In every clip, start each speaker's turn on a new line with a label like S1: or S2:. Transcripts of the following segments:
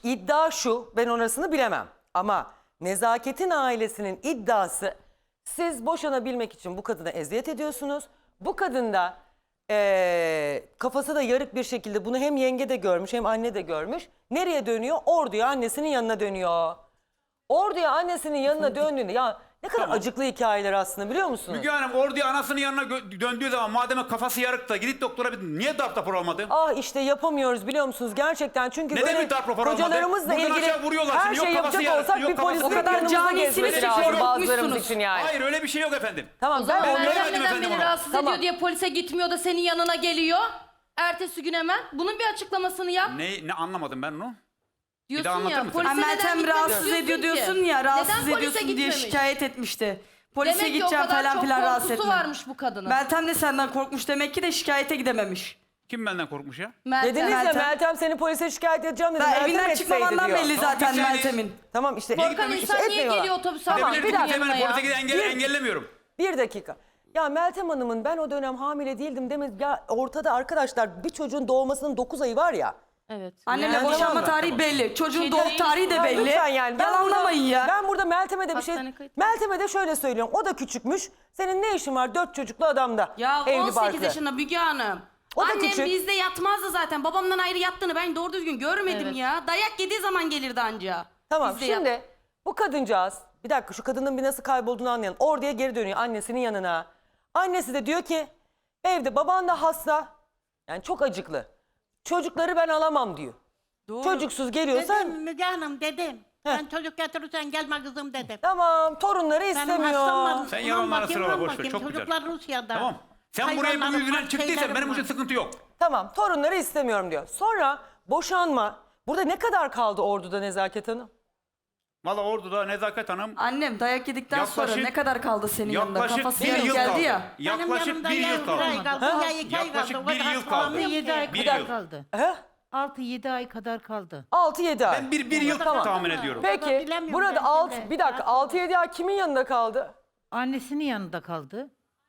S1: iddia şu, ben orasını bilemem. Ama Nezaket'in ailesinin iddiası, siz boşanabilmek için bu kadına eziyet ediyorsunuz. Bu kadın da kafası da yarık bir şekilde, bunu hem yenge de görmüş hem anne de görmüş. Nereye dönüyor? Ordu'ya, annesinin yanına dönüyor. Ordu'ya, annesinin yanına döndüğünde, ya ne kadar acıklı hikayeler aslında, biliyor musunuz?
S2: Müge Hanım Ordu'ya anasının yanına döndüğü zaman madem kafası yarık da gidip doktora niye darp raporu almadı?
S1: Ah işte yapamıyoruz, biliyor musunuz gerçekten, çünkü
S2: Neden
S1: böyle
S2: bir darp raporu almadı?
S1: kocalarımızla
S2: Buradan
S1: ilgili
S2: aşağı vuruyorlar
S1: her
S2: seni.
S1: şey
S2: Yok kafası
S1: yapacak
S2: yarık,
S1: olsak
S2: yok
S1: bir
S2: kafası
S1: polisin
S2: yarık.
S1: yanımızda
S3: canisiniz
S1: gezmesi
S3: ki
S1: lazım bazılarımız
S3: korkmuşsunuz.
S1: için yani.
S2: Hayır öyle bir şey yok efendim.
S1: Tamam,
S3: O zaman
S1: ben
S2: onları-
S3: Meryem
S2: Vermedim
S3: neden
S2: efendim
S3: beni
S2: ona.
S3: rahatsız
S1: Tamam.
S3: ediyor diye polise gitmiyor da senin yanına geliyor. Ertesi gün hemen. Bunun bir açıklamasını yap.
S2: Ne anlamadım ben onu?
S3: Diyorsun
S2: anlatır
S3: ya
S2: mısın?
S3: polise
S4: Ha,
S3: neden
S4: Meltem
S3: gitmemiş
S4: rahatsız ediyor
S3: ki?
S4: diyorsun ya, rahatsız
S3: Neden polise
S4: ediyorsun diye
S3: gitmemiş?
S4: şikayet etmişti. Polise
S3: Demek ki o
S4: gideceğim
S3: kadar
S4: falan
S3: çok
S4: filan rahatsız
S3: korkusu
S4: etme.
S3: varmış bu kadının.
S4: Meltem de senden korkmuş demek ki de şikayete gidememiş.
S2: Kim benden korkmuş ya?
S1: Dediniz ya
S4: Meltem-
S1: Meltem seni polise şikayet edeceğim dedi.
S4: Ben
S1: Meltem
S4: evinden
S1: etseydi
S4: çıkmamandan
S1: diyor.
S4: belli
S2: Tamam,
S4: zaten
S2: bir saniye.
S4: Meltem'in.
S1: Tamam işte.
S3: Korkan
S2: gitmemiş,
S3: insan niye
S1: etmiyorlar.
S3: geliyor otobüse
S1: Tamam,
S3: alıyor
S1: bir dakika.
S3: yanına
S2: Hemen
S3: ya?
S2: polise giden engellemiyorum.
S1: Bir dakika. Ya Meltem Hanım'ın ben o dönem hamile değildim demedi. Ya ortada arkadaşlar bir çocuğun doğmasının 9 ayı var ya.
S3: Evet.
S4: Annemle
S1: Yani
S4: boşanma
S1: tamam mı?
S4: tarihi belli. Çocuğun
S3: Şey
S4: doğum
S3: değil,
S4: tarihi de
S1: Ya
S4: belli.
S1: lütfen yani.
S4: Yalanlamayın ya.
S1: Ben burada Meltem'e de bir şey...
S3: Hastane kayıt.
S1: Meltem'e de şöyle söylüyorum. O da küçükmüş. Senin ne işin var 4 çocuklu adamda?
S5: Ya
S1: Evli
S5: 18
S1: barklı.
S5: yaşında Müge Hanım.
S1: O da
S5: Annem
S1: küçük.
S5: bizde yatmazdı zaten. Babamdan ayrı yattığını ben doğru düzgün görmedim
S3: Evet.
S5: ya. Dayak yediği zaman gelirdi anca.
S1: Tamam
S5: Bizde
S1: şimdi bu kadıncağız, bir dakika şu kadının bir nasıl kaybolduğunu anlayalım. Orduya geri dönüyor annesinin yanına. Annesi de diyor ki evde baban da hasta. Yani çok acıklı. Çocukları ben alamam diyor.
S5: Doğru.
S1: Çocuksuz geliyorsa
S6: Dedim Müge Hanım dedim. Ben çocuk getirirsen gelme kızım dedim.
S1: tamam torunları
S6: Benim
S1: istemiyor.
S6: hastam var.
S2: Sen
S6: Ulan
S2: yalanlara
S6: bakayım,
S2: sırala,
S6: ulan
S2: boş ver,
S6: bakayım.
S2: çok güzel.
S6: Çocuklar Rusya'da.
S2: Tamam. Sen buraya bu
S6: Hayvanlarım
S2: yüzünden
S6: var,
S2: çıktıysan
S6: şeylerim
S2: benim
S6: var.
S2: için sıkıntı yok.
S1: Tamam torunları istemiyorum diyor. Sonra boşanma. Burada ne kadar kaldı Ordu'da Nezaket Hanım?
S2: Valla Ordu'da Nezaket Hanım
S4: Annem dayak yedikten sonra
S2: Yaklaşık-
S4: ne kadar kaldı senin yanında?
S2: yaklaşık
S4: Kafası
S2: bir
S4: yarım
S2: yıl
S4: geldi
S2: kaldı.
S4: ya.
S2: Yaklaşık
S6: yanımda
S2: bir
S6: ya
S2: yıl kaldı.
S6: bir ay kaldı, ya 2 ay kaldı.
S2: Yaklaşık
S6: O
S2: bir
S6: kadar
S2: yıl kaldı.
S6: kalmıyor
S7: 7
S6: ki.
S7: ay
S2: Bir
S7: kadar
S2: yıl.
S7: kaldı.
S1: He?
S7: 6-7 ay kadar kaldı.
S1: 6-7 ay.
S2: Ben bir yıl
S1: Tamam.
S2: tahmin ediyorum.
S1: Peki
S6: Bilemiyorum
S1: burada
S6: ben
S1: 6
S6: şimdi.
S1: bir dakika 6-7 ay kimin yanında kaldı?
S7: Annesinin yanında kaldı.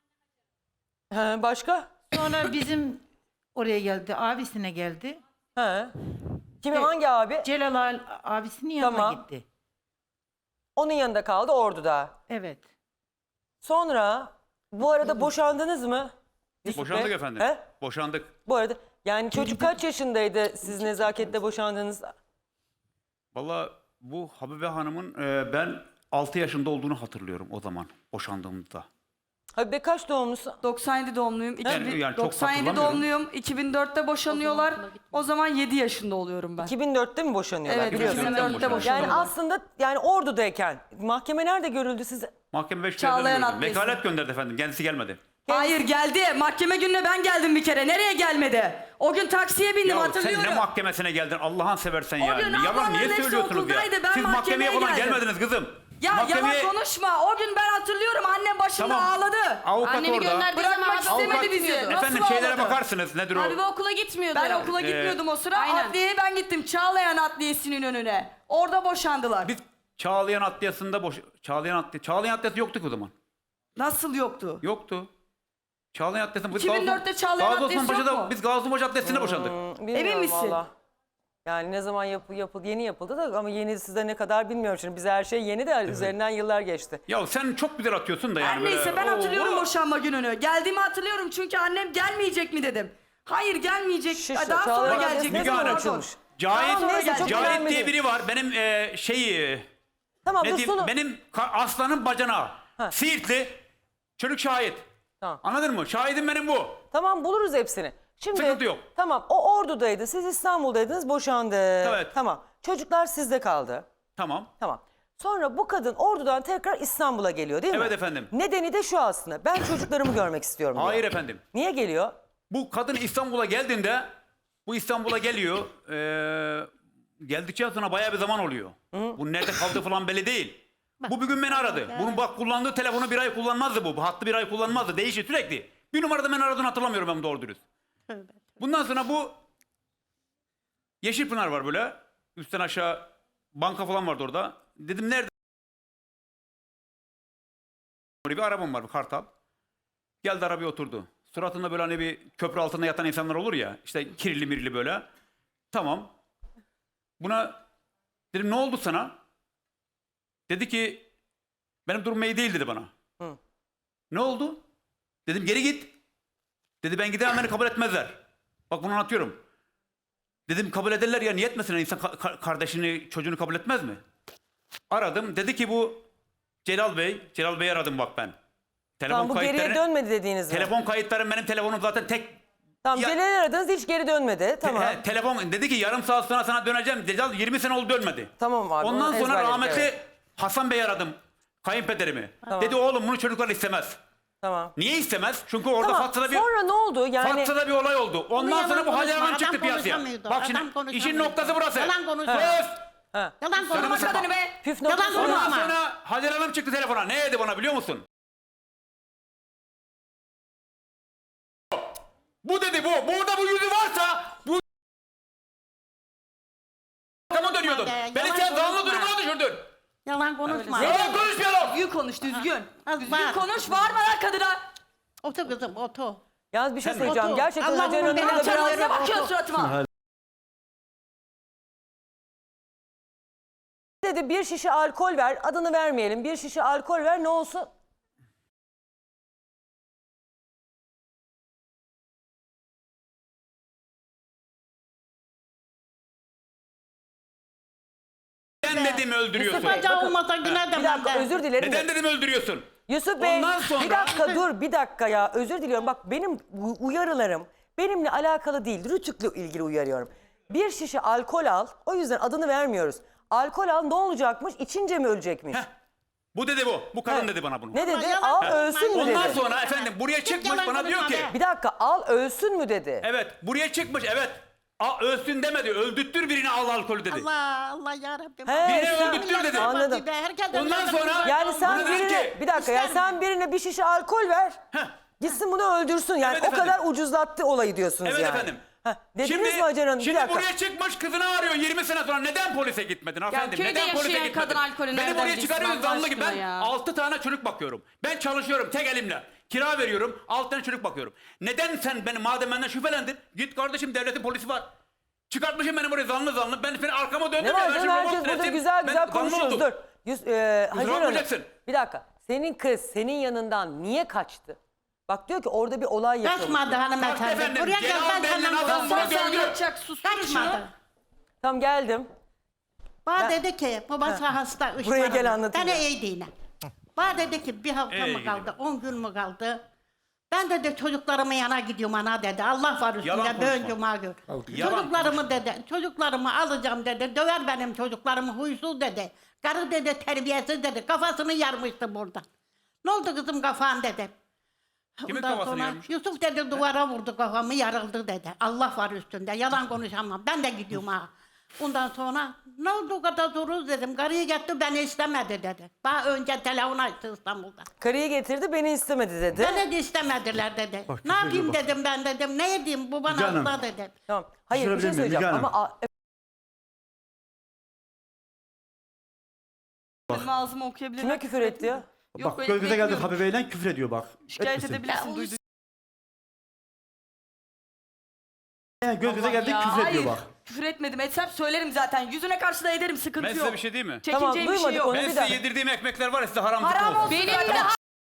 S1: He, başka?
S7: Sonra bizim oraya geldi, abisine geldi.
S1: He. Kimin
S7: Evet.
S1: hangi abi?
S7: Celal abisinin yanına
S1: Tamam.
S7: gitti.
S1: Onun yanında kaldı Ordu'da.
S7: Evet.
S1: Sonra bu arada boşandınız mı? Yusuf
S2: Boşandık
S1: Bey?
S2: efendim.
S1: He?
S2: Boşandık.
S1: Bu arada yani çocuk kaç yaşındaydı siz Nezaket'le boşandığınızda?
S2: Valla bu Habibe Hanım'ın ben 6 yaşında olduğunu hatırlıyorum o zaman boşandığımda.
S1: Habibe kaç doğumlusun?
S4: 97 doğumluyum.
S2: Yani çok
S4: 97
S2: hatırlamıyorum.
S4: doğumluyum. 2004'te boşanıyorlar. O zaman 7 yaşında oluyorum ben.
S1: 2004'te mi boşanıyorlar?
S4: Evet,
S1: biliyorsun.
S4: 2004'te
S2: boşanıyorlar.
S4: boşanıyorlar.
S1: Yani aslında yani Ordu'dayken mahkeme nerede görüldü siz?
S2: Mahkeme 5
S4: Çağlayan Adliyesi.
S2: Vekalet gönderdi efendim. Kendisi gelmedi.
S4: Hayır geldi. Mahkeme gününe ben geldim bir kere. Nereye gelmedi? O gün taksiye bindim
S2: Ya
S4: hatırlıyorum.
S2: sen ne mahkemesine geldin Allah'ın seversen ya.
S4: gün
S2: Yalan
S4: ablamların
S2: niye
S4: hepsi
S2: söylüyorsunuz ya?
S4: okuldaydı, ben
S2: Siz mahkemeye
S4: mahkemeye
S2: falan
S4: geldim.
S2: gelmediniz kızım.
S4: Ya
S2: Mahkemeye-
S4: yalan konuşma. O gün ben hatırlıyorum. Annem başımda
S2: Tamam.
S4: ağladı.
S2: Avukat
S3: Anneni
S2: orada.
S3: gönderdiği zaman
S4: Bırakmak
S3: adam
S4: istemedi
S3: okula
S4: bizi.
S3: gitmiyordu.
S4: Nasıl
S2: Efendim şeylere
S4: ağladı?
S2: bakarsınız nedir o?
S5: Habibe okula gitmiyordu.
S4: Ben okula gitmiyordum o sıra.
S5: aynen.
S4: Adliyeye ben gittim. Çağlayan Adliyesi'nin önüne. Orada boşandılar.
S2: Biz Çağlayan Adliyesi'nde Çağlayan Adliyesi yoktu ki o zaman.
S4: Nasıl yoktu?
S2: Yoktu. Çağlayan Adliyesi'nde biz
S4: 2004'te Çağlayan
S2: Gazi
S4: Adliyesi
S2: Osman
S4: yok
S2: Paşa'da
S4: mu?
S2: biz Gazi Osman Paşa Adliyesi'nde boşandık.
S1: Bilmiyorum
S4: Emin misin?
S1: valla. Yani ne zaman yapıldı yeni yapıldı da ama yeni size ne kadar bilmiyorum. Şimdi bize her şey yeni de üzerinden yıllar geçti.
S2: Ya sen çok güzel atıyorsun da yani
S4: Her
S2: böyle.
S4: neyse ben hatırlıyorum
S2: Oo.
S4: boşanma gününü. Geldiğimi hatırlıyorum çünkü annem gelmeyecek mi dedim. Hayır gelmeyecek.
S1: Şu-
S4: Daha sonra
S1: Çağlayan
S4: gelecek.
S1: Adliyesi ne
S2: Müge
S1: zaman
S2: Hanım.
S1: açılmış?
S2: Cahit,
S1: Tamam, neyse, çok
S2: Cahit
S1: önemli
S2: diye
S1: değil.
S2: biri var. Benim
S1: Tamam
S2: ne
S1: dur
S2: diyeyim,
S1: sonu.
S2: benim aslanın bacanağı.
S1: Ha.
S2: Siirtli. Çocuk şahit.
S1: Tamam.
S2: Anladın mı? Şahidim benim bu.
S1: Tamam buluruz hepsini. Şimdi
S2: Sıkıntı yok.
S1: Tamam o Ordu'daydı. Siz İstanbul'daydınız boşandı.
S2: Evet.
S1: Tamam. Çocuklar sizde kaldı.
S2: Tamam.
S1: Tamam. Sonra bu kadın Ordu'dan tekrar İstanbul'a geliyor değil mi?
S2: Evet efendim.
S1: Nedeni de şu aslında. Ben çocuklarımı görmek istiyorum diyor.
S2: Hayır efendim.
S1: Niye geliyor?
S2: Bu kadın İstanbul'a geldiğinde bu İstanbul'a geliyor. Geldikçe sonra bayağı bir zaman oluyor. Bu nerede kaldığı falan belli değil. Bu bir gün beni aradı. Bunun bak kullandığı telefonu bir ay kullanmazdı bu. Bu hattı bir ay kullanmazdı. Değişir sürekli. Bir numarada beni aradığını hatırlamıyorum ben doğru dürüst. Bundan sonra bu Yeşilpınar var böyle. Üstten aşağı banka falan vardı orada. Dedim nerede? Bir arabam var bir Kartal. Geldi arabaya oturdu. Suratında böyle hani bir köprü altında yatan insanlar olur ya. İşte kirli mirli böyle. Tamam. Buna Dedim ne oldu sana? Dedi ki benim durumum iyi değil dedi bana.
S1: Hı.
S2: Ne oldu? Dedim geri git. Dedi ben gidemem, beni kabul etmezler. Bak bunu anlatıyorum. Dedim kabul ederler ya, niye etmesin insan kardeşini, çocuğunu kabul etmez mi? Aradım, dedi ki bu Celal Bey. Celal Bey'i aradım bak ben. Telefon
S1: Tamam, bu geriye dönmedi dediğiniz mi?
S2: Telefon kayıtlarım, benim telefonum zaten tek.
S1: Tamam,
S2: Ya-
S1: Celal'i aradınız, hiç geri dönmedi. Tamam.
S2: Telefon dedi ki yarım saat sonra sana döneceğim. Celal 20 sene oldu dönmedi.
S1: Tamam abi,
S2: Ondan
S1: onu
S2: sonra
S1: ezberledik,
S2: rahmetli
S1: evet.
S2: Hasan Bey'i aradım. Kayınpederimi. Dedi oğlum bunu çocuklar istemez.
S1: Tamam.
S2: Niye istemez? Çünkü orada
S1: Tamam.
S2: Fatsa'da bir
S1: Sonra ne oldu? Yani
S2: Fatsa'da bir olay oldu. Ondan
S6: yalan
S2: sonra bu Hacer
S6: konuşma,
S2: Hanım
S6: adam
S2: çıktı piyasaya.
S6: konuşamıyordu,
S2: Bak
S6: adam
S2: şimdi işin
S6: konuşamıyordu.
S2: noktası burası.
S6: Yalan konuşma.
S2: Söz.
S6: Yalan konuşma.
S2: Canımı
S4: Kadını be.
S1: püf
S6: Yalan
S1: noktası.
S6: konuşma.
S2: Ondan sonra Hacer Hanım çıktı telefona. Ne dedi bana biliyor musun? Bu dedi bu. Burada bu yüzü varsa bu kama dönüyordun.
S6: Yalan
S2: Beni sen
S6: konuşma.
S2: zanlı durumuna düşürdün.
S6: Yalan konuşma.
S2: Yalan konuşmayalım.
S4: Düzgün konuş düzgün.
S6: Az
S4: Düzgün
S6: var.
S4: konuş, bağırma lan kadına.
S6: Otur kızım otur.
S1: Yalnız bir şey
S2: Sen-
S1: söyleyeceğim.
S6: Otur.
S1: Gerçekten
S6: Allah'ım
S1: Hacer Hanım'ın
S6: beni
S1: da
S6: alçak
S1: biraz...
S6: yere
S4: Ne bakıyorsun
S6: otur.
S4: suratıma?
S1: Dedi bir şişe alkol ver, adını vermeyelim. Bir şişe alkol ver, ne olsun?
S2: Neden dedim öldürüyorsun?
S1: Bey,
S6: Bacağı
S1: bakın.
S6: olmasa yine de
S1: Bir dakika,
S6: ben de.
S1: özür dilerim.
S2: Neden
S1: de.
S2: dedim öldürüyorsun?
S1: Yusuf Bey,
S2: Ondan sonra-
S1: bir dakika dur, bir dakika ya. Özür diliyorum. Bak benim uyarılarım benimle alakalı değil. Rütük'le ilgili uyarıyorum. Bir şişe alkol al, o yüzden adını vermiyoruz. Alkol al, ne olacakmış? İçince mi ölecekmiş?
S2: Heh. Bu dedi bu. Bu kadın
S1: Heh.
S2: dedi bana bunu.
S1: Ne dedi?
S6: yalan
S1: Al
S6: konuşma.
S1: ölsün mü
S2: Ondan
S1: dedi?
S2: sonra efendim buraya çıkmış
S6: yalan
S2: bana diyor
S6: konuşma
S2: ki.
S6: be.
S1: Bir dakika, al ölsün mü dedi?
S2: Evet buraya çıkmış evet. Ölsün demedi. Öldürttür birini al alkolü dedi.
S6: Allah Allah yarabbim.
S1: He,
S2: Birini
S1: sen-
S2: öldürttür dedi.
S1: Anladım.
S2: Ondan sonra-
S1: Yani sen
S2: Buna dedi
S1: birine,
S2: ki,
S1: bir dakika ya,
S6: ister
S1: sen birine bir şişe alkol ver.
S2: Heh.
S1: Gitsin bunu öldürsün. Yani
S2: Evet
S1: o
S2: efendim.
S1: kadar ucuzlattı olayı diyorsunuz
S2: Evet
S1: yani.
S2: efendim.
S1: Heh, dediniz mi Hacer Hanım? Bir
S2: Şimdi
S1: dakika.
S2: buraya çıkmış kızını arıyor 20 sene sonra. Neden polise gitmedin efendim?
S5: köyde
S2: Neden polise
S5: yaşayan
S2: gitmedin?
S5: kadın alkolü
S2: Beni
S5: nereden
S2: buraya
S5: bilsin
S2: çıkarıyorsun
S5: Allah
S2: zanlı gibi. Ben
S5: aşkına ya?
S2: 6 tane çocuk bakıyorum. Ben çalışıyorum tek elimle. Kira veriyorum 6 tane çocuk bakıyorum. Neden sen beni madem benden şüphelendin? Git kardeşim devletin polisi var. Çıkartmışım beni buraya zanlı. Ben seni arkama döndüm.
S1: Ne var
S2: ya, ben
S1: canım,
S2: şimdi
S1: herkes
S2: robot
S1: burada
S2: resim,
S1: güzel
S2: ben
S1: güzel
S2: zanlı
S1: konuşuyoruz.
S2: oldum.
S1: Dur. Hacer Hanım,
S2: bakmayacaksın.
S1: bir dakika. Senin kız senin yanından niye kaçtı? Bak diyor ki orada bir olay yaşamış.
S6: Kaçmadı hanımefendi.
S2: Efendim,
S6: Buraya gel
S2: Celal
S6: ben
S2: Bey'le
S6: senden
S2: adam
S6: konuşacağım.
S2: bunu
S3: Sen
S2: dövdü.
S3: yapacak susturun şunu.
S6: Kaçmadı.
S1: Tamam geldim.
S6: Bana dedi ki babası hasta. üç
S1: Buraya
S6: paralı.
S1: gel anlatayım
S6: Bana
S1: ya.
S6: iyi değil. Bana dedi ki bir hafta
S2: İyi
S6: mı
S2: gidiyor.
S6: kaldı, 10 gün mü kaldı? Ben dedi çocuklarımın yana gidiyorum ana dedi. Allah var
S2: Yalan
S6: üstünde dön
S2: konuşma.
S6: cuma gün.
S2: Yalan
S6: Çocuklarımı dedi, çocuklarımı alacağım dedi. Döver benim çocuklarımı huysuz dedi. Karı dedi terbiyesiz dedi. Kafasını yarmıştı burada. Ne oldu kızım kafan dedi.
S2: Kimin
S6: Ondan
S2: kafasını
S6: sonra
S2: yarmış?
S6: Yusuf dedi duvara vurdu kafamı yarıldı dedi. Allah var üstünde yalan konuşamam. Ben de gidiyorum ha. Ondan sonra ne oldu o kadar dururuz dedim. Karıyı getirdi beni istemedi dedi. Daha önce telefon açtı İstanbul'da.
S1: Karıyı getirdi beni istemedi dedi.
S6: Beni de istemediler dedi. Ne yapayım dedim ben dedim. Ne edeyim bu bana
S8: Canım.
S6: hasta dedi.
S1: Tamam. Hayır bir şey
S8: Sorabilir miyim
S1: söyleyeceğim
S8: Müge Hanım?
S1: ama
S4: Benim ağzımı okuyabilir
S1: kime
S4: miyim?
S1: küfür etti ya?
S4: Yok,
S8: Bak
S4: öyle
S8: göz göze geldik
S4: bekliyorum.
S8: Habibe'yle küfür ediyor bak.
S4: Şikayet
S8: Etmesin.
S4: edebilirsin duyduğun.
S8: Yani göz göze geldik
S4: Ya,
S8: küfür ediyor
S4: hayır.
S8: bak.
S4: Küfür etmedim. Etsem söylerim zaten. Yüzüne karşı da ederim. Sıkıntı
S2: Ben
S4: yok.
S2: size bir şey diyeyim mi?
S1: Tamam,
S4: Çekineceğim bir şey
S1: duymadık
S4: yok.
S1: onu.
S2: Ben
S1: bir
S2: size
S1: dakika.
S2: yedirdiğim ekmekler var ya size haram
S4: Haram
S2: olsun.
S4: olsun.
S3: Benim
S4: zaten.
S3: de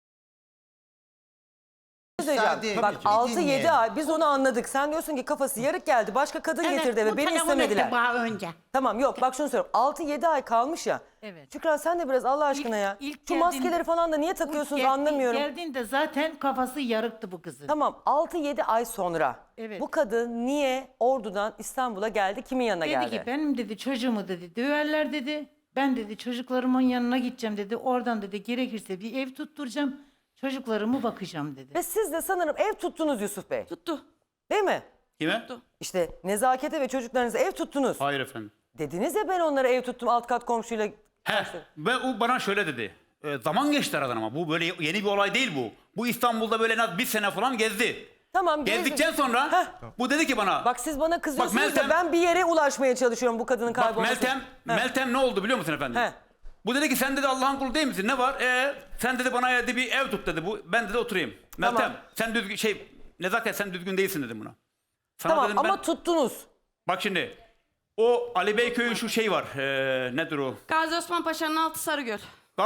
S1: Söyleyeceğim. Bak 6-7 ay biz onu anladık. Sen diyorsun ki kafası yarık geldi. Başka kadın getirdi eve.
S6: bu
S1: Beni
S6: telefon
S1: istemediler.
S6: etti bana önce.
S1: Tamam yok bak şunu söylüyorum. 6-7 ay kalmış ya.
S7: Evet.
S1: Şükran sen de biraz Allah aşkına ya.
S7: ilk
S1: Şu
S7: geldiğinde-
S1: maskeleri falan da niye takıyorsunuz anlamıyorum.
S7: Geldiğinde zaten kafası yarıktı bu kızın.
S1: Tamam 6-7 ay sonra
S7: Evet.
S1: bu kadın niye Ordu'dan İstanbul'a geldi? Kimin yanına
S7: Dedi
S1: geldi?
S7: ki benim dedi çocuğumu dedi döverler dedi. Ben dedi çocuklarımın yanına gideceğim dedi. Oradan dedi gerekirse bir ev tutturacağım. Çocuklarımı bakacağım dedi.
S1: Ve siz de sanırım ev tuttunuz Yusuf Bey.
S4: Tuttu.
S1: Değil mi?
S2: Kime?
S1: İşte nezakete ve çocuklarınıza ev tuttunuz.
S2: Hayır efendim.
S1: Dediniz ya ben onlara ev tuttum alt kat komşuyla.
S2: He, ve o bana şöyle dedi. Zaman geçti aradan ama bu böyle yeni bir olay değil bu. Bu İstanbul'da böyle en az bir sene falan gezdi.
S1: Tamam
S2: Gezdikten
S1: gezdim.
S2: sonra
S1: Heh.
S2: bu dedi ki bana.
S1: Bak siz bana kızıyorsunuz
S2: Bak Meltem-
S1: da ben bir yere ulaşmaya çalışıyorum bu kadının
S2: Bak
S1: kaybolması.
S2: Meltem ne oldu biliyor musun efendim?
S1: He.
S2: Bu dedi ki sen dedi Allah'ın kulu değil misin? Ne var? Sen dedi bana dedi bir ev tut dedi. Ben dedi oturayım.
S1: Tamam.
S2: Meltem sen düzgün nezaket sen düzgün değilsin dedim buna. Sana
S1: Tamam
S2: dedim
S1: ama
S2: ben,
S1: tuttunuz.
S2: bak şimdi O Ali Bey köyü şu şey var. Nedir o?
S5: Gazi Osman Paşa'nın altı Sarıgöl.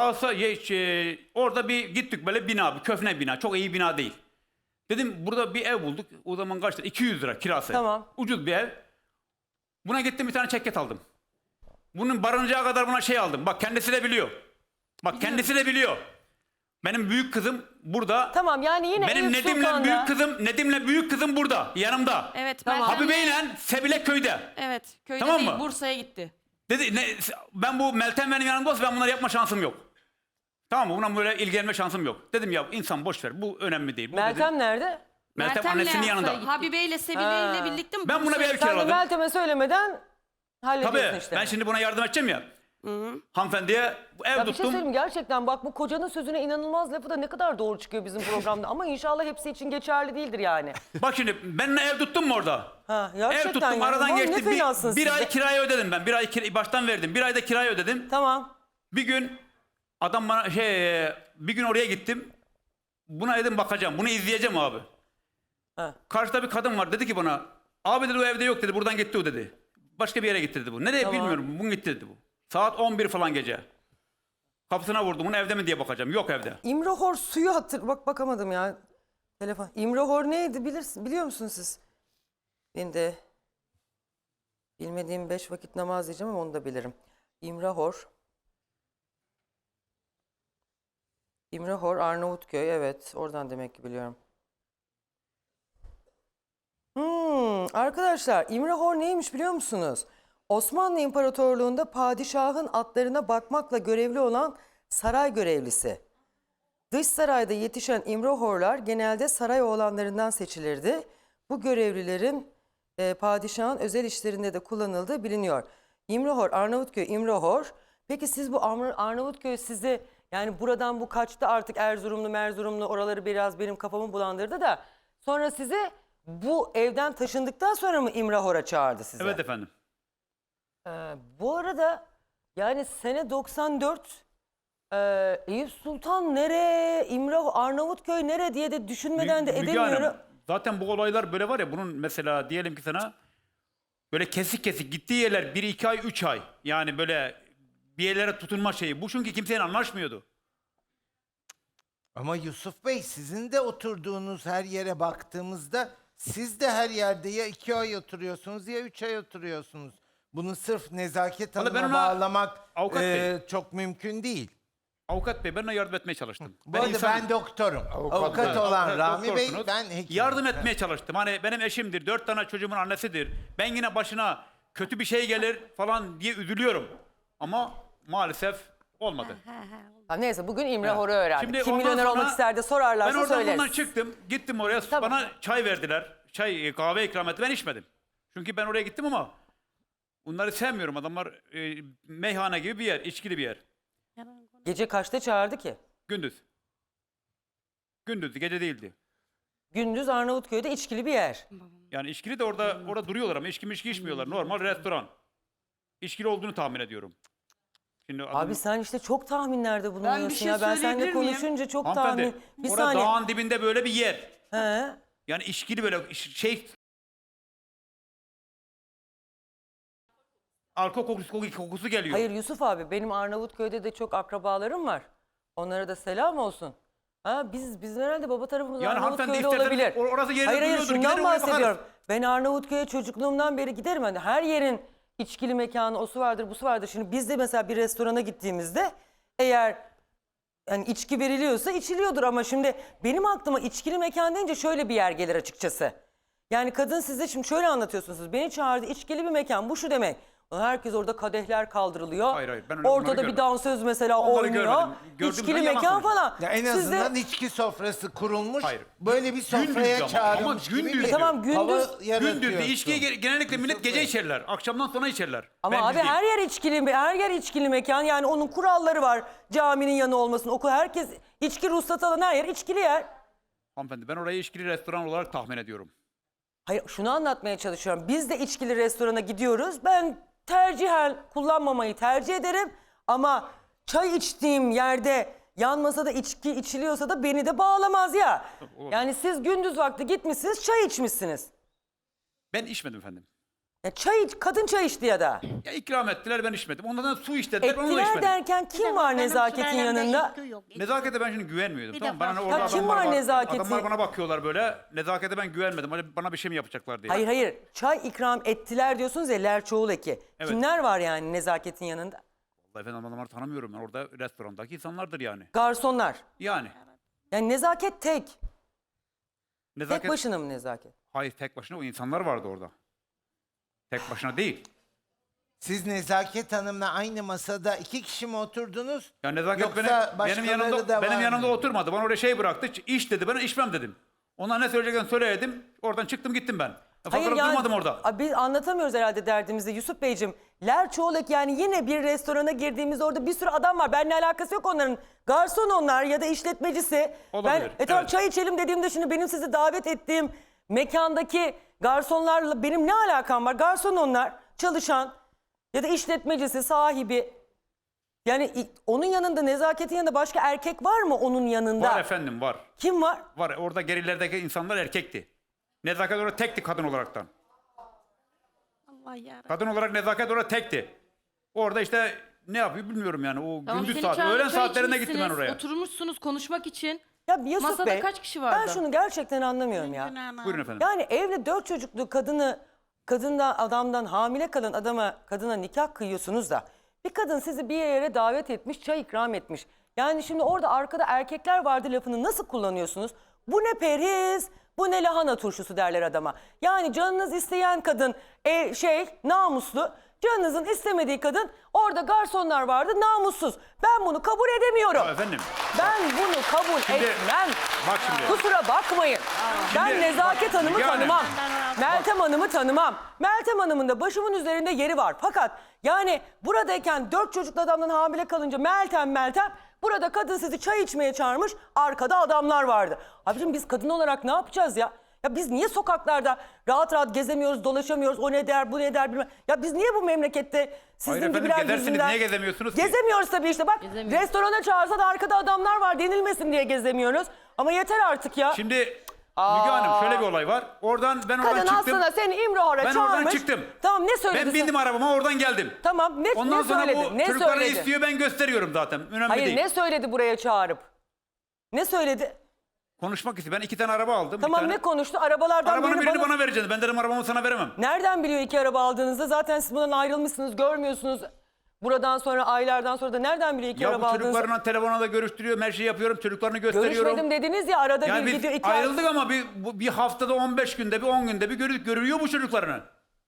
S2: Orada bir gittik böyle bina, bir köhne bina. Çok iyi bina değil. Dedim burada bir ev bulduk. O zaman kaçtı? 200 lira kirası.
S1: Tamam.
S2: Ucuz bir ev. Buna gittim bir tane ceket aldım. Bunun barınacağı kadar buna şey aldım. Bak kendisi de biliyor. Bak kendisi de biliyor. Benim büyük kızım burada.
S1: Tamam yani yine
S2: Benim
S1: Eyüp
S2: Nedim'le
S1: Sultan'da-
S2: Nedim'le büyük kızım burada. Yanımda.
S5: Evet.
S1: Tamam.
S2: Habibe'yle Sebile köyde.
S5: Evet. Köyde
S2: Tamam
S5: değil,
S2: mı?
S5: Bursa'ya gitti.
S2: Dedi ben bu Meltem benim yanımda olsa ben bunları yapma şansım yok. Tamam mı? Buna böyle ilgilenme şansım yok. Dedim ya insan boş ver. Bu önemli değil. Bu
S1: Meltem
S2: dedim,
S1: nerede?
S2: Meltem annesinin yanında.
S5: Habibe ile Sebile
S1: Ha.
S5: ile birlikte mi?
S2: Ben buna bir ev
S1: Sen de
S2: kiraladım.
S1: Meltem'e söylemeden hallediyorsun
S2: Tabii.
S1: işte.
S2: Ben şimdi buna yardım edeceğim ya. Hanımefendiye ev
S1: Ya bir şey
S2: tuttum.
S1: söyleyeyim gerçekten bak bu kocanın sözüne inanılmaz lafı da ne kadar doğru çıkıyor bizim programda ama inşallah hepsi için geçerli değildir yani.
S2: Bak şimdi ben ev tuttum mu orada?
S1: Ha,
S2: Ev
S1: gerçekten
S2: tuttum
S1: yani.
S2: aradan
S1: Vallahi
S2: geçti.
S1: Ne fenasın
S2: Bir
S1: siz
S2: ay
S1: de.
S2: kirayı ödedim ben. Bir ay baştan verdim. Bir ayda kirayı ödedim.
S1: Tamam.
S2: Bir gün adam bana bir gün oraya gittim. Buna dedim bakacağım. Bunu izleyeceğim abi.
S1: Ha.
S2: Karşıda bir kadın var. Dedi ki bana abi dedi o evde yok dedi. Buradan gitti o dedi. Başka bir yere gitti dedi bu. Nereye
S1: Tamam.
S2: bilmiyorum. Bugün gitti dedi bu. Saat 11 falan gece. Kapısına vurdum. Bunu evde mi diye bakacağım. Yok evde.
S1: İmrahor suyu bak bakamadım ya. Telefon. İmrahor neydi biliyor musunuz siz? Ben de bilmediğim 5 vakit namaz diyeceğim ama onu da bilirim. İmrahor. İmrahor Arnavutköy evet oradan demek ki biliyorum. Arkadaşlar İmrahor neymiş biliyor musunuz? Osmanlı İmparatorluğu'nda padişahın atlarına bakmakla görevli olan saray görevlisi. Dış sarayda yetişen İmrahorlar genelde saray oğlanlarından seçilirdi. Bu görevlilerin padişahın özel işlerinde de kullanıldığı biliniyor. İmrahor, Arnavutköy, İmrahor. Peki siz bu Arnavutköy sizi yani buradan bu kaçtı artık Erzurumlu oraları biraz benim kafamı bulandırdı da sonra sizi bu evden taşındıktan sonra mı İmrahor'a çağırdı sizi?
S2: Evet efendim.
S1: Bu arada yani sene 94 Eyüp Sultan nere, Arnavutköy nere diye de düşünmeden de
S2: Müge Hanım,
S1: edemiyorum.
S2: zaten bu olaylar böyle var ya bunun mesela diyelim ki sana böyle kesik kesik gittiği yerler 1-2 ay 3 ay. Yani böyle bir yerlere tutunma şeyi. Bu çünkü kimseyle anlaşmıyordu.
S9: Ama Yusuf Bey sizin de oturduğunuz her yere baktığımızda siz de her yerde ya 2 ay oturuyorsunuz ya 3 ay oturuyorsunuz. Bunu sırf Nezaket
S2: Vallahi ben
S9: Hanım'a
S2: ona-
S9: bağlamak
S2: Avukat Bey.
S9: çok mümkün değil.
S2: Avukat Bey ben ona yardım etmeye çalıştım.
S9: Bu arada
S2: insanım.
S9: ben doktorum. Avukat olan
S2: Evet,
S9: Rami Bey
S2: doktorsunuz.
S9: ben hekimim.
S2: Yardım etmeye çalıştım. Hani benim eşimdir, 4 tane çocuğumun annesidir. Ben yine başına kötü bir şey gelir falan diye üzülüyorum. Ama maalesef olmadı.
S1: Ha, neyse bugün İmrahor'u öğrendik.
S2: Şimdi
S1: Kim
S2: ondan
S1: milyoner
S2: sonra
S1: olmak ister de sorarlarsa
S2: Ben oradan
S1: söyleriz.
S2: bundan çıktım. Gittim oraya
S1: Tamam.
S2: bana çay verdiler. Kahve ikram etti. Ben içmedim. Çünkü ben oraya gittim ama bunları sevmiyorum. Adamlar meyhane gibi bir yer, içkili bir yer.
S1: Gece kaçta çağırdı ki?
S2: Gündüz. Gündüzdü, gece değildi.
S1: Gündüz Arnavutköy'de içkili bir yer.
S2: Yani içkili de orada duruyorlar ama içki içmiyorlar. Normal restoran. İçkili olduğunu tahmin ediyorum. Şimdi
S1: Abi sen işte çok tahminlerde bulunuyorsun
S4: şey
S1: ya. Ben seninle
S4: söyleyebilir miyim?
S1: konuşunca çok
S2: hanımefendi,
S1: tahmin. Bir
S2: orada
S1: saniye.
S2: dağın dibinde böyle bir yer.
S1: He.
S2: Yani içkili böyle şey... Alkol kokusu geliyor.
S1: Hayır Yusuf abi benim Arnavutköy'de de çok akrabalarım var. Onlara da selam olsun. Ha, biz herhalde baba tarafımız
S2: Yani hanımefendi
S1: Arnavutköy'de
S2: isterseniz
S1: olabilir.
S2: orası yerinde
S1: Hayır
S2: duruyordur, gider
S1: şundan
S2: oraya
S1: bahsediyorum.
S2: bakarız.
S1: Ben Arnavutköy'e çocukluğumdan beri giderim. Hani her yerin içkili mekanı, osu vardır, busu vardır. Şimdi biz de mesela bir restorana gittiğimizde eğer yani içki veriliyorsa içiliyordur ama şimdi benim aklıma içkili mekan deyince şöyle bir yer gelir açıkçası. Yani kadın size şimdi şöyle anlatıyorsunuz. Beni çağırdı içkili bir mekan bu şu demek. Herkes orada kadehler kaldırılıyor.
S2: Hayır, ben öyle bunları
S1: Ortada bir
S2: görmedim.
S1: dansöz mesela
S2: Onları
S1: oynuyor.
S2: görmedim. Gördüğüm
S1: İçkili
S2: zaman yalan
S1: mekan
S2: konuşuyorum.
S1: falan.
S9: Ya en
S1: Siz de-
S9: azından içki sofrası kurulmuş.
S2: Hayır.
S9: Böyle bir
S2: Gündüzdü
S9: sofraya
S2: ama
S9: çağrılmış gibi
S2: gündüzdü.
S9: bir
S1: Tamam, gündüz-
S9: hava
S2: Gündüzdü.
S9: yaratıyorsun.
S2: İçkiyi genellikle millet gece içerler. Akşamdan sonra içerler.
S1: Ama
S2: Ben
S1: abi
S2: değil.
S1: her yer içkili mekan. Yani onun kuralları var. Caminin yanı olmasın. Okul herkes içki ruhsatı alan her yer içkili yer.
S2: Hanımefendi ben orayı içkili restoran olarak tahmin ediyorum.
S1: Hayır şunu anlatmaya çalışıyorum. Biz de içkili restorana gidiyoruz. Ben tercihen kullanmamayı tercih ederim. Ama çay içtiğim yerde yan masada içki içiliyorsa da beni de bağlamaz ya.
S2: olur.
S1: Yani siz gündüz vakti gitmişsiniz çay içmişsiniz.
S2: Ben içmedim efendim.
S1: Ya kadın çay içti ya da.
S2: Ya ikram ettiler, ben içmedim. Ondan su istediler, ben onu da
S1: Ettiler
S2: içmedim.
S1: derken kim var
S6: Benim
S1: nezaketin
S6: sülalemde
S1: yanında?
S6: hiçbir yok.
S2: Nezakete ben şimdi güvenmiyordum.
S6: Bir
S2: Tamam
S6: de
S2: bana ne
S6: başka-
S2: orada
S1: Ya kim
S2: adamlar
S1: var nezaketi?
S2: Adamlar bana bakıyorlar böyle. Nezakete ben güvenmedim. Hani bana bir şey mi yapacaklar diye.
S1: Hayır hayır. Çay ikram ettiler diyorsunuz ya Lerçoğul eki.
S2: Evet.
S1: Kimler var yani nezaketin yanında?
S2: Vallahi efendim adamları tanımıyorum ben. Orada restorandaki insanlardır yani.
S1: Garsonlar.
S2: Yani.
S1: Yani nezaket tek.
S2: Nezaket...
S1: Tek başına mı nezaket?
S2: Hayır tek başına o insanlar vardı orada. Tek başına değil.
S9: Siz Nezaket Hanım'la aynı masada 2 kişi mi oturdunuz?
S2: Ya nezaket
S9: Yoksa
S2: benim
S9: başkaları
S2: yanımda
S9: da
S2: benim
S9: var
S2: yanımda
S9: mı?
S2: oturmadı. Bana oraya şey bıraktı. İç dedi. Ben içmem dedim. Ona ne söyleyeceklerini söyledim. Oradan çıktım gittim ben. Fazla durmadım orada.
S1: Biz anlatamıyoruz herhalde derdimizi Yusuf Beyciğim. Lerçoğlek yani yine bir restorana girdiğimizde orada bir sürü adam var. Benimle alakası yok onların. Garson onlar ya da işletmecisi.
S2: Olabilir,
S1: Tamam
S2: evet.
S1: çay içelim dediğimde şimdi benim sizi davet ettiğim mekandaki garsonlarla benim ne alakam var? Garson onlar, çalışan ya da işletmecisi, sahibi. Yani onun yanında, nezaketin yanında başka erkek var mı onun yanında?
S2: Var efendim var.
S1: Kim var?
S2: Var. Orada gerilerdeki insanlar erkekti. Nezaket orada tekti kadın olaraktan.
S6: Allah yarabbim.
S2: Kadın olarak nezaket orada tekti. Orada işte ne yapıyor bilmiyorum yani. O
S3: Tamam,
S2: gündüz
S3: seni
S2: saat,
S3: çağırıp
S2: öğlen
S3: çay
S2: saatlerinde gittim ben
S3: içmişsiniz,
S2: oraya.
S3: Oturmuşsunuz konuşmak için.
S1: Ya Yusuf
S3: Masada
S1: Bey,
S3: kaç kişi
S1: ben
S3: vardı?
S1: şunu gerçekten anlamıyorum ya.
S6: Günahına.
S2: Buyurun efendim.
S1: Yani evli 4 çocuklu kadından adamdan hamile kalan kadına nikah kıyıyorsunuz da bir kadın sizi bir yere davet etmiş, çay ikram etmiş. Yani şimdi orada arkada erkekler vardı lafını nasıl kullanıyorsunuz? Bu ne periz, bu ne lahana turşusu derler adama. Yani canınız isteyen kadın namuslu, canınızın istemediği kadın orada garsonlar vardı namussuz. Ben bunu kabul edemiyorum.
S2: Ya efendim.
S1: Ben bunu kabul
S2: Şimdi-
S1: etmem.
S2: Bak şimdi.
S1: Kusura bakmayın. Ben
S2: Şimdi
S1: Nezaket
S2: bak,
S1: Hanım'ı
S2: Müge Hanım.
S1: tanımam. Meltem Hanım'ı tanımam. Meltem Hanım'ın da başımın üzerinde yeri var. Fakat yani buradayken 4 çocuklu adamdan hamile kalınca Meltem burada kadın sizi çay içmeye çağırmış. Arkada adamlar vardı. Abicim biz kadın olarak ne yapacağız ya? Ya biz niye sokaklarda rahat rahat gezemiyoruz, dolaşamıyoruz, o ne der, bu ne der bilmem. Ya biz niye bu memlekette sizin
S2: Hayır efendim,
S1: gibiler
S2: gezersiniz,
S1: yüzünden...
S2: niye gezemiyorsunuz ki?
S1: Gezemiyoruz tabii işte bak
S3: Gezemiyoruz.
S1: restorana çağırsa da arkada adamlar var denilmesin diye gezemiyoruz. Ama yeter artık ya.
S2: Şimdi Müge Hanım şöyle bir olay var. Ben oradan
S1: Kadın
S2: çıktım.
S1: aslında seni İmrohar'a
S2: Ben
S1: çağırmış.
S2: oradan çıktım.
S1: Tamam ne söyledi?
S2: Ben bindim arabama oradan geldim.
S1: Tamam ne
S2: Ondan sonra
S1: söyledi?
S2: bu
S1: Ne
S2: çocukları
S1: söyledi?
S2: istiyor, ben gösteriyorum zaten. Önemli
S1: Hayır
S2: değil.
S1: ne söyledi buraya çağırıp? Ne söyledi?
S2: Konuşmak istiyor. Ben 2 tane araba aldım.
S1: Tamam
S2: bir tane.
S1: ne konuştu? Arabalardan
S2: Arabanın
S1: birini
S2: birini bana vereceksin. Ben dedim arabamı sana veremem.
S1: Nereden biliyor 2 araba aldığınızda? Zaten siz bundan ayrılmışsınız, görmüyorsunuz. Buradan sonra, aylardan sonra da nereden biliyor 2
S2: Ya
S1: araba
S2: bu
S1: aldığınızı?
S2: çocuklarla telefona da görüştürüyorum. Her şeyi yapıyorum. Çocuklarını gösteriyorum.
S1: Görüşmedim dediniz ya arada
S2: Yani
S1: bir
S2: biz
S1: gidiyor 2
S2: ayrıldık ama bir haftada 15 günde bir 10 günde bir görüyor bu çocuklarını.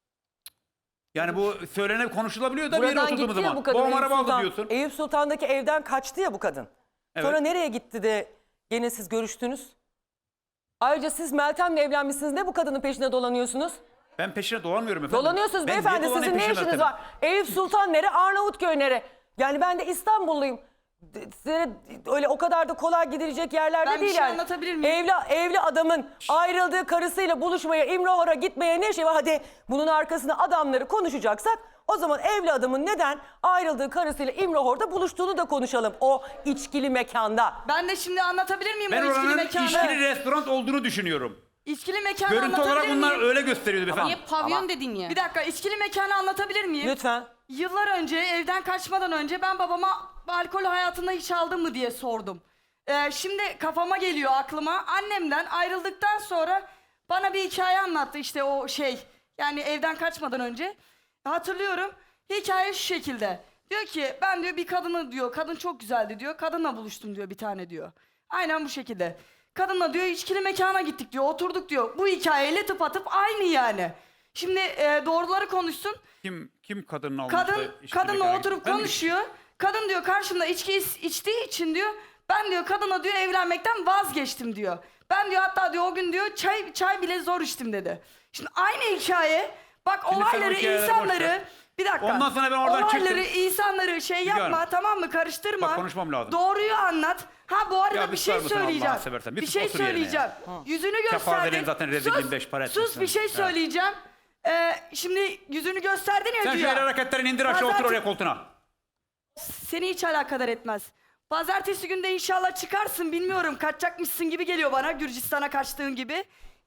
S2: Yani bu söylenip konuşulabiliyor da bir yere
S1: Buradan
S2: oturduğumuz
S1: gitti ya
S2: zaman.
S1: bu kadın.
S2: Babam
S1: Eyüp
S2: araba aldı
S1: Sultan-
S2: diyorsun.
S1: Eyüp Sultan'daki evden kaçtı ya bu kadın.
S2: Evet.
S1: Sonra nereye gitti de gene siz görüştünüz? Ayrıca siz Meltem'le evlenmişsiniz. Ne bu kadının peşine dolanıyorsunuz?
S2: Ben peşine dolanmıyorum efendim.
S1: Dolanıyorsunuz
S2: Ben niye
S1: beyefendi.
S2: dolanayım
S1: Sizin ne
S2: peşine
S1: işiniz
S2: zaten?
S1: var? Eyüp Sultan nere? Arnavutköy nere? Yani ben de İstanbulluyum. Size öyle o kadar da kolay gidilecek yerlerde
S4: Ben bir
S1: değil
S4: şey
S1: yani.
S4: anlatabilir miyim?
S1: Evli adamın ayrıldığı karısıyla buluşmaya, İmrohar'a gitmeye ne şey var? Hadi bunun arkasında adamları konuşacaksak o zaman evli adamın neden ayrıldığı karısıyla İmrohar'da buluştuğunu da konuşalım. O içkili mekanda.
S4: Ben de şimdi anlatabilir miyim
S2: Ben
S4: o içkili
S2: oranın
S4: mekanı?
S2: içkili restoran olduğunu düşünüyorum.
S4: İçkili mekanı
S2: Görüntü
S4: anlatabilir
S2: olarak bunlar
S4: miyim?
S2: öyle gösteriyordu efendim.
S5: Niye pavyon dedin ya?
S4: Bir dakika, içkili mekanı anlatabilir miyim?
S1: Lütfen.
S4: Yıllar önce evden kaçmadan önce ben babama alkol hayatında hiç aldın mı diye sordum. Şimdi kafama geliyor aklıma. Annemden ayrıldıktan sonra bana bir hikaye anlattı işte o yani evden kaçmadan önce. Hatırlıyorum. Hikaye şu şekilde. Diyor ki ben diyor bir kadını diyor, kadın çok güzeldi diyor. Kadınla buluştum diyor bir tane diyor. Aynen bu şekilde. Kadınla diyor içkili mekana gittik diyor, oturduk diyor. Bu hikayeyle tıpatıp aynı yani. Şimdi doğruları konuşsun.
S2: Kim kadının almıştı?
S4: Kadınla oturup konuşuyor. Kadın diyor karşımda içki içtiği için diyor ben diyor kadına diyor evlenmekten vazgeçtim diyor. Ben diyor hatta diyor o gün diyor çay bile zor içtim dedi. Şimdi aynı hikaye. Bak
S2: Şimdi sen o
S4: olayları
S2: hikayeleri boş
S4: insanları
S2: ver.
S4: bir dakika.
S2: Ondan sonra ben oradan
S4: olayları
S2: çıktım.
S4: insanları yapma
S2: Hanım.
S4: tamam mı karıştırma.
S2: Bak konuşmam lazım.
S4: Doğruyu anlat. Ha bu arada
S2: Ya
S4: bir
S2: susar
S4: şey
S2: mısın Allah'ını
S4: söyleyeceğim.
S2: seversen?
S4: Bir
S2: sus,
S4: şey
S2: otur yerine
S4: söyleyeceğim.
S2: ya.
S4: Yüzünü
S2: Kefazelerin
S4: gösterdin.
S2: zaten rezilliğin beş para etmez
S4: Sus bir
S2: sen.
S4: şey
S2: Ha.
S4: söyleyeceğim. Şimdi yüzünü gösterdin ya
S2: Sen şu
S4: güya.
S2: el hareketlerini indir aşağı otur oraya koltuğuna.
S4: Seni hiç alakadar etmez. Pazartesi günde inşallah çıkarsın bilmiyorum. Kaçacakmışsın gibi geliyor bana Gürcistan'a kaçtığın gibi.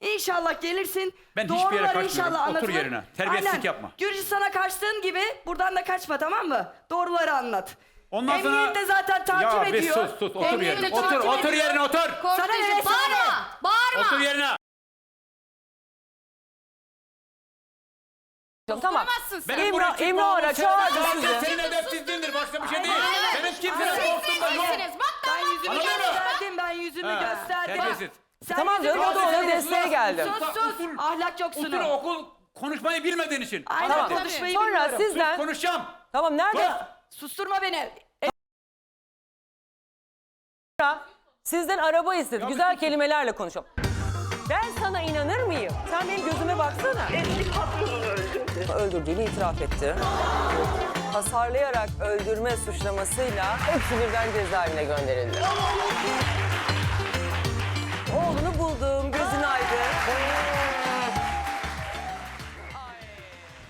S4: İnşallah gelirsin.
S2: Ben hiçbir yere
S4: doğruları
S2: kaçmıyorum.
S4: inşallah
S2: Otur
S4: anlatılır.
S2: yerine. Terbiyesizlik
S4: Aynen.
S2: yapma.
S4: Gürcistan'a kaçtığın gibi buradan da kaçma, tamam mı? Doğruları anlat.
S2: Ondan sonra...
S4: Emniyet de zaten takip
S2: ya,
S4: ediyor.
S2: Ya sus otur
S3: Emniyet
S2: yerine.
S3: de
S2: Otur
S3: takip
S2: otur
S3: ediyor.
S2: yerine otur.
S4: Sana ne?
S3: Korktuğun bağırma. Bağırma.
S2: Otur yerine.
S1: Tamam.
S3: Tutamazsın sen.
S1: İmra ara çağırdı sizi.
S2: Senin edepsizliğindir başka bir şey değil.
S3: Hayır.
S2: Senin kimsenin korktuğunda yok.
S3: Sizsiniz. Bak
S4: Ben yüzümü
S2: Anladın mı?
S4: gösterdim, ben yüzümü
S2: Ha,
S4: gösterdim.
S2: terbiyesiz.
S4: Sen
S1: Tamam
S4: yüzümü
S1: canım, o da ona
S4: gösterdin.
S1: desteğe geldim.
S4: Sus. Ahlak yoksun.
S2: Otur okul konuşmayı bilmediğin için.
S4: Aynen,
S1: Tamam.
S4: konuşmayı
S1: Sonra
S4: bilmiyorum.
S1: sizden...
S2: Konuşacağım.
S1: Tamam nerede?
S4: Susturma beni.
S1: Sizden araba istedi. Güzel kelimelerle konuşalım. Ben sana inanır mıyım? Sen benim gözüme baksana.
S10: Eski patronunu öldürdü.
S1: Öldürdüğünü itiraf etti. Hasarlayarak öldürme suçlamasıyla hepsi birden cezaevine gönderildi.